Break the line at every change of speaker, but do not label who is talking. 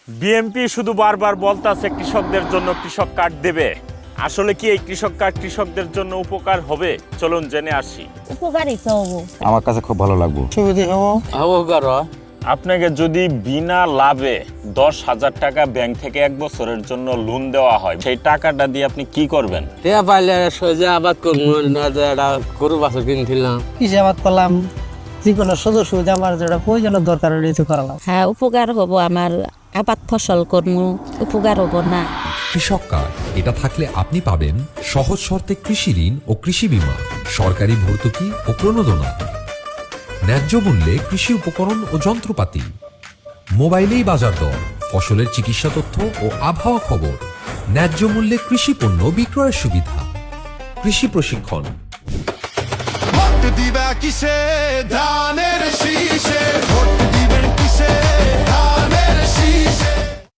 BNP শুধু বারবার বলতাছে কৃষকদের জন্য কৃষক কার্ড দেবে। আসলে কি এই কৃষক কার্ড কৃষকদের জন্য উপকার হবে? চলুন জেনে আসি।
উপকারই তো হবো।
আমার কাছে খুব ভালো লাগবে।
আপনাকে যদি বিনা লাভে 10,000 টাকা ব্যাংক থেকে 1 বছরের জন্য লোন দেওয়া হয়, সেই টাকাটা দিয়ে আপনি কি করবেন?
টিয়া পাইলে সোজা আবাদ করবো না, একটা গরু বাছুর কিনছিলাম।
কৃষি আবাদ করলাম, যে কোনো সদস্য আমার যেটা প্রয়োজনের দরকার হলে তো করালাম।
হ্যাঁ, উপকার হবো। আমার আবাদ ফসল করবো, উপকার হবো না।
কৃষক কার্ড এটা থাকলে আপনি পাবেন সহজ শর্তে কৃষি ঋণ ও কৃষি বীমা, সরকারি ভর্তুকি ও প্রণোদনা, ন্যায্য মূল্যে কৃষি উপকরণ ও যন্ত্রপাতি, মোবাইলেই বাজার দর, ফসলের চিকিৎসা তথ্য ও আবহাওয়া খবর, ন্যায্য মূল্যে কৃষি পণ্য বিক্রয়ের সুবিধা, কৃষি প্রশিক্ষণ।
ভোট দিবা কিসে ধানের শীষে, ভোট দিবেন কিসে ধানের শীষে।